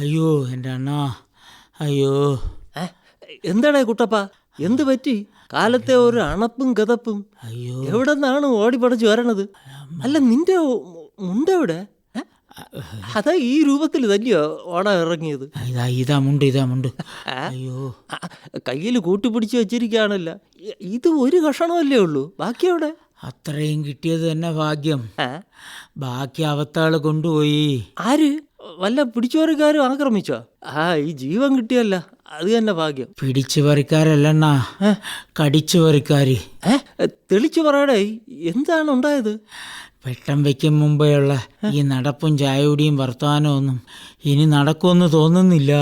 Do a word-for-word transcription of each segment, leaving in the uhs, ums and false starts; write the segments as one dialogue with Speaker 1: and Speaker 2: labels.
Speaker 1: അയ്യോ എൻ്റെ അണ്ണാ, അയ്യോ.
Speaker 2: എന്താടേ കുട്ടപ്പ, എന്ത് പറ്റി? കാലത്തെ ഒരു അണപ്പും കഥപ്പും.
Speaker 1: അയ്യോ,
Speaker 2: എവിടെ നിന്നാണ് ഓടിപ്പടച്ച് വരണത്? അല്ല, നിന്റെ മുണ്ടെവിടെ? അതാ ഈ രൂപത്തിൽ തന്നെയോ ഓട ഇറങ്ങിയത്?
Speaker 1: ഇതാ ഇതാ മുണ്ട്, ഇതാ മുണ്ട്. അയ്യോ,
Speaker 2: കയ്യിൽ കൂട്ടിപ്പിടിച്ച് വെച്ചിരിക്കുകയാണല്ലോ. ഇത് ഒരു കഷണമല്ലേ ഉള്ളൂ, ബാക്കി എവിടെ?
Speaker 1: അത്രയും കിട്ടിയത് തന്നെ ഭാഗ്യം. ബാക്കി അവത്താള് കൊണ്ടുപോയി.
Speaker 2: ആര്? വല്ല പിടിച്ചോറുകാരും ആക്രമിച്ചോ? ആ, ഈ ജീവൻ കിട്ടിയല്ല, അത് തന്നെ ഭാഗ്യം.
Speaker 1: പിടിച്ചു പറിക്കാരല്ലണ്ണ, കടിച്ചു പറിക്കാര്.
Speaker 2: തെളിച്ചു പറയടേ, എന്താണ് ഉണ്ടായത്?
Speaker 1: വെട്ടം വയ്ക്കും മുമ്പേയുള്ള ഈ നടപ്പും ചായയുടെയും വർത്തമാനവും ഒന്നും ഇനി നടക്കുമെന്ന് തോന്നുന്നില്ല.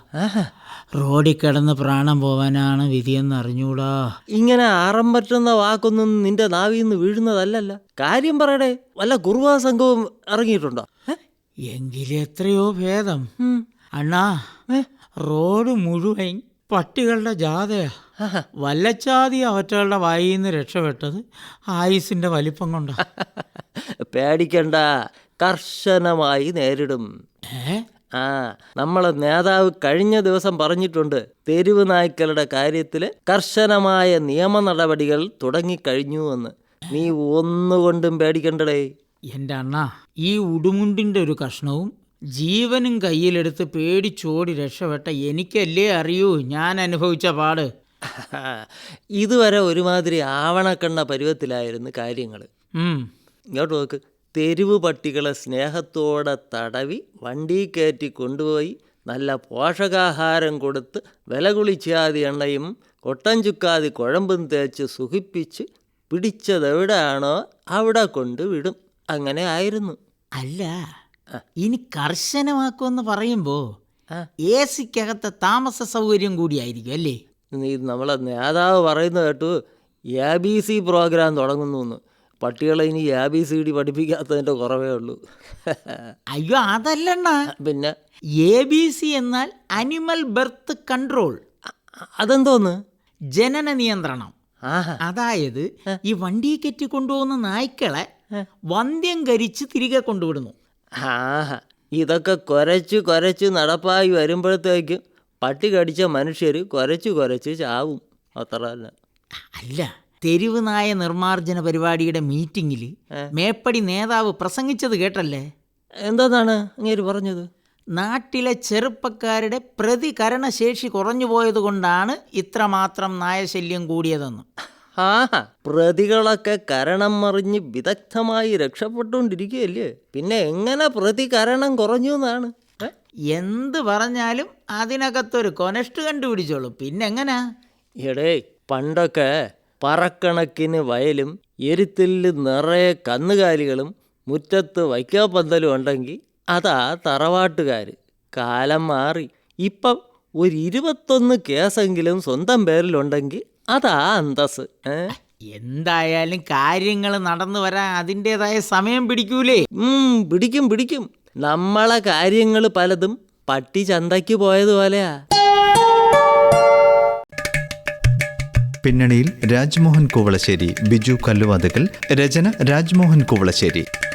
Speaker 1: റോഡിൽ കിടന്ന് പ്രാണം പോവാനാണ് വിധിയെന്ന് അറിഞ്ഞൂടാ.
Speaker 2: ഇങ്ങനെ ആറം പറ്റുന്ന വാക്കൊന്നും നിന്റെ നാവിൽ നിന്ന് വീഴുന്നതല്ലല്ലോ. കാര്യം പറയടേ, വല്ല കുറുവാ സംഘവും ഇറങ്ങിയിട്ടുണ്ടോ?
Speaker 1: എങ്കിലും എത്രയോ ഭേദം അണ്ണാ. റോഡ് മുഴുവൻ പട്ടികളുടെ ജാഥയാ. വല്ലച്ചാതി അവറ്റകളുടെ വായിൽ നിന്ന് രക്ഷപ്പെട്ടത് ആയുസിന്റെ വലിപ്പം കൊണ്ടാ.
Speaker 2: പേടിക്കണ്ട, കർശനമായി നേരിടും. ആ, നമ്മളെ നേതാവ് കഴിഞ്ഞ ദിവസം പറഞ്ഞിട്ടുണ്ട്, തെരുവ് നായ്ക്കളുടെ കാര്യത്തിൽ കർശനമായ നിയമ നടപടികൾ തുടങ്ങിക്കഴിഞ്ഞു എന്ന്. നീ ഒന്നുകൊണ്ടും പേടിക്കണ്ടടേ.
Speaker 1: എൻ്റെ അണ്ണാ, ഈ ഉടുമുണ്ടിൻ്റെ ഒരു കഷ്ണവും ജീവനും കയ്യിലെടുത്ത് പേടിച്ചോടി രക്ഷപ്പെട്ട എനിക്കല്ലേ അറിയൂ ഞാൻ അനുഭവിച്ച പാട്.
Speaker 2: ഇതുവരെ ഒരുമാതിരി ആവണക്കണ്ണ പരുവത്തിലായിരുന്നു കാര്യങ്ങൾ. ഇങ്ങോട്ട് നോക്ക്, തെരുവ് പട്ടികളെ സ്നേഹത്തോടെ തടവി വണ്ടി കയറ്റി കൊണ്ടുപോയി നല്ല പോഷകാഹാരം കൊടുത്ത് വില കുളിച്ചാതി എണ്ണയും കൊട്ടൻ ചുക്കാതി കുഴമ്പും തേച്ച് സുഖിപ്പിച്ച് പിടിച്ചതെവിടെയാണോ അവിടെ കൊണ്ട് വിടും. അങ്ങനെ ആയിരുന്നു.
Speaker 1: അല്ല, ഇനി കർശനമാക്കുമെന്ന് പറയുമ്പോൾ എ സിക്കകത്തെ താമസ സൗകര്യം കൂടിയായിരിക്കും അല്ലേ?
Speaker 2: നീ നമ്മളെ നേതാവ് പറയുന്നത് കേട്ടു, എ ബി സി പ്രോഗ്രാം തുടങ്ങുന്നു. പട്ടികളെ ഇനി എ ബി സി ഡി പഠിപ്പിക്കാത്തതിൻ്റെ കുറവേ ഉള്ളൂ.
Speaker 1: അയ്യോ, അതല്ലണ്ണ.
Speaker 2: പിന്നെ
Speaker 1: എ ബി സി എന്നാൽ അനിമൽ ബർത്ത് കൺട്രോൾ.
Speaker 2: അതെന്തോന്ന്?
Speaker 1: ജനന നിയന്ത്രണം. അതായത് ഈ വണ്ടി കെറ്റി കൊണ്ടുപോകുന്ന നായ്ക്കളെ വന്ധ്യം കരിച്ച് തിരികെ കൊണ്ടുവിടുന്നു.
Speaker 2: ആ, ഇതൊക്കെ കുരച്ച് കുരച്ച് നടപ്പായി വരുമ്പോഴത്തേക്കും പട്ടി കടിച്ച മനുഷ്യർ കുരച്ച് കുരച്ച് ചാവും, അത്ര തന്നെ.
Speaker 1: അല്ല, തെരുവ് നായ നിർമ്മാർജ്ജന പരിപാടിയുടെ മീറ്റിങ്ങിൽ മേപ്പടി നേതാവ് പ്രസംഗിച്ചത് കേട്ടല്ലേ?
Speaker 2: എന്താണ് അങ്ങേര് പറഞ്ഞത്?
Speaker 1: നാട്ടിലെ ചെറുപ്പക്കാരുടെ പ്രതികരണശേഷി കുറഞ്ഞു പോയത് കൊണ്ടാണ് ഇത്രമാത്രം നായശല്യം കൂടിയതെന്ന്.
Speaker 2: ആ, പ്രതികളൊക്കെ കരണം മറിഞ്ഞ് വിദഗ്ധമായി രക്ഷപ്പെട്ടുകൊണ്ടിരിക്കുകയല്ലേ, പിന്നെ എങ്ങനെ പ്രതികരണം കുറഞ്ഞു എന്നാണ്?
Speaker 1: എന്ത് പറഞ്ഞാലും അതിനകത്തൊരു കൊനഷ്ട് കണ്ടുപിടിച്ചോളൂ, പിന്നെങ്ങനാ?
Speaker 2: എടേ, പണ്ടൊക്കെ പറക്കണക്കിന് വയലും എരുത്തില് നിറയെ കന്നുകാലികളും മുറ്റത്ത് വൈക്കാപ്പന്തലും ഉണ്ടെങ്കിൽ അതാ തറവാട്ടുകാർ. കാലം മാറി, ഇപ്പം ഒരു ഇരുപത്തൊന്ന് കേസെങ്കിലും സ്വന്തം പേരിലുണ്ടെങ്കിൽ അതാ അന്തസ്.
Speaker 1: എന്തായാലും കാര്യങ്ങൾ നടന്നു വരാൻ അതിൻ്റെതായ സമയം പിടിക്കൂലേ?
Speaker 2: പിടിക്കും പിടിക്കും. നമ്മളെ കാര്യങ്ങൾ പലതും പട്ടി ചന്തയ്ക്ക് പോയതുപോലെയാ.
Speaker 3: പിന്നണിയിൽ രാജ്മോഹൻ കുവളശ്ശേരി, ബിജു കല്ലുവാതുക്കൽ, രചന രാജ്മോഹൻ കുവളശ്ശേരി.